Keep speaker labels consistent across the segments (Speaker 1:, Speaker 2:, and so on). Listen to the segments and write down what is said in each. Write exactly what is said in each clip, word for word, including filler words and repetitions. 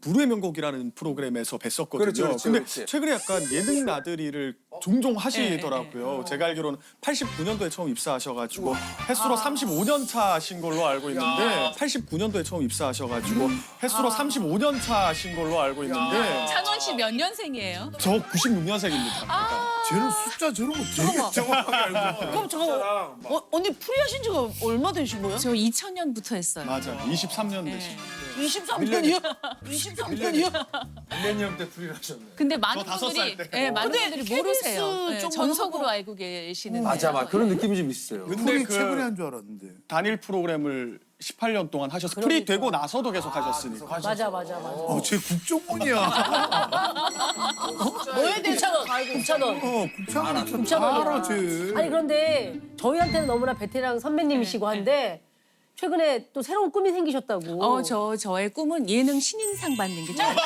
Speaker 1: 불후의 명곡이라는 프로그램에서 뵀었거든요.
Speaker 2: 그렇죠, 그렇죠,
Speaker 1: 근데
Speaker 2: 그렇지.
Speaker 1: 최근에 약간 예능 나들이를 종종 하시더라고요. 제가 알기로는 팔십구 년도에 처음 입사하셔가지고 횟수로 삼십오 년 차신 걸로 알고 있는데 팔십구 년도에 처음 입사하셔가지고 횟수로 삼십오 년 차신 걸로 알고 있는데
Speaker 3: 찬원 씨 몇 년생이에요?
Speaker 1: 저 구십육 년생입니다.
Speaker 4: 쟤는 숫자 저런 거 되게 정확하게 알고 있어.
Speaker 5: 그럼 저 어, 언니 프리하신 지가 얼마 되신 거예요?
Speaker 3: 저 이천 년부터 했어요.
Speaker 1: 맞아요. 이십삼 년
Speaker 3: 네.
Speaker 1: 되신.
Speaker 5: 이십삼 년이요? 이십삼 년이요?
Speaker 2: 밀레니엄 때 프리를 하셨네.
Speaker 3: 근데 많은
Speaker 1: 저 다섯
Speaker 3: 분들이
Speaker 1: 살 때.
Speaker 3: 예, 많은
Speaker 5: 근데
Speaker 3: 분들이
Speaker 5: 케이비에스
Speaker 3: 모르세요. 예,
Speaker 5: 쪽만
Speaker 3: 전속으로
Speaker 5: 하고.
Speaker 3: 알고 계시는데.
Speaker 2: 맞아, 맞아. 그런 느낌이 좀 있어요.
Speaker 1: 근데
Speaker 4: 프리
Speaker 1: 그
Speaker 4: 최근에 한 줄 알았는데.
Speaker 1: 단일 프로그램을 십팔 년 동안 하셔서 프리 되고 나서도 계속 하셨으니까.
Speaker 5: 맞아 맞아 맞아.
Speaker 4: 어, 쟤 국정원이야.
Speaker 5: 뭐에 대해 차원? 국차원.
Speaker 4: 어, 국창원 참
Speaker 6: 국창원이야.
Speaker 4: 알아, 쟤.
Speaker 6: 아니 그런데 저희한테는 너무나 베테랑 선배님이시고 한데 최근에 또 새로운 꿈이 생기셨다고.
Speaker 3: 어, 저 저의 꿈은 예능 신인상 받는 게 좀.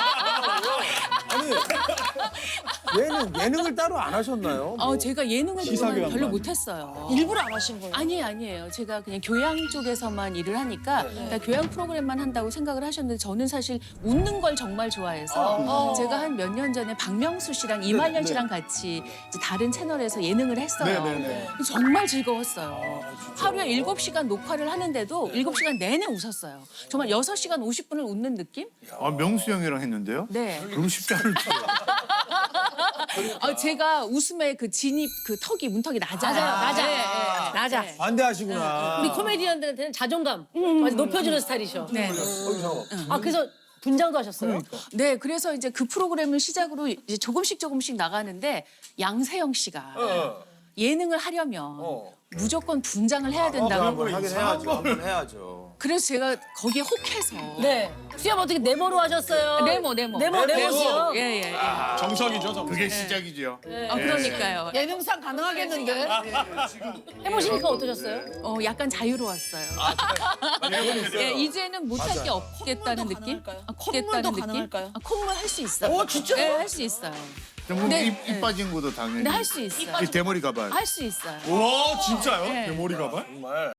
Speaker 2: 얘는 예능을 따로 안 하셨나요?
Speaker 3: 어, 제가 예능을
Speaker 1: 시사교양만.
Speaker 3: 그동안 별로 못했어요.
Speaker 5: 일부러 안 하신 거예요?
Speaker 3: 아니에요, 아니에요. 제가 그냥 교양 쪽에서만 일을 하니까 그러니까 교양 프로그램만 한다고 생각을 하셨는데 저는 사실 웃는 걸 정말 좋아해서 제가 한 몇 년 전에 박명수 씨랑 이말년 씨랑 같이 이제 다른 채널에서 예능을 했어요.
Speaker 1: 네네네.
Speaker 3: 정말 즐거웠어요. 하루에 일곱 시간 녹화를 하는데도 일곱 시간 내내 웃었어요. 정말 여섯 시간 오십 분을 웃는 느낌?
Speaker 4: 아, 명수 형이랑 했는데요?
Speaker 3: 네.
Speaker 4: 그럼 쉽지 않을 거예요.
Speaker 3: 어, 제가 웃음의 그 진입 그 턱이 문턱이 낮아요.
Speaker 6: 낮아요, 낮아.
Speaker 3: 네, 네.
Speaker 6: 낮아.
Speaker 2: 반대하시구나.
Speaker 6: 우리 코미디언들한테는 자존감 아주 높여주는 스타일이셔.
Speaker 3: 네.
Speaker 6: 아 그래서 분장도 하셨어요?
Speaker 3: 네, 그래서 이제 그 프로그램을 시작으로 이제 조금씩 조금씩 나가는데 양세형 씨가 예능을 하려면
Speaker 2: 어.
Speaker 3: 무조건 분장을 해야 된다고.
Speaker 2: 한번 하긴 해야죠. 한번 해야죠.
Speaker 3: 그래서 제가 거기에 혹해서
Speaker 6: 네. 수염 어떻게 네모로 하셨어요?
Speaker 3: 네모 네모
Speaker 6: 네모 네모요.
Speaker 3: 예, 예, 예.
Speaker 1: 정석이죠, 정석.
Speaker 4: 그게 시작이죠.
Speaker 3: 아, 그러니까요.
Speaker 5: 예능상 가능하겠는데?
Speaker 6: 해보시니까 어떠셨어요?
Speaker 3: 어, 약간 자유로웠어요. 예, 이제는 못할 게 없겠다는
Speaker 5: 콧물도
Speaker 3: 느낌?
Speaker 5: 가능할까요?
Speaker 3: 아,
Speaker 5: 콧물도
Speaker 3: 없겠다는
Speaker 5: 가능할까요?
Speaker 3: 느낌? 아, 콧물 할 수 있어요.
Speaker 5: 어, 진짜요?
Speaker 3: 네, 할 수 있어요.
Speaker 4: 정말
Speaker 3: 네,
Speaker 4: 입, 입
Speaker 3: 네.
Speaker 4: 빠진 것도 당연히.
Speaker 3: 근데 할 수 있어요.
Speaker 4: 이 대머리 가발.
Speaker 3: 할 수 있어요.
Speaker 1: 와 진짜요?
Speaker 3: 네.
Speaker 1: 대머리 가발?
Speaker 2: 정말.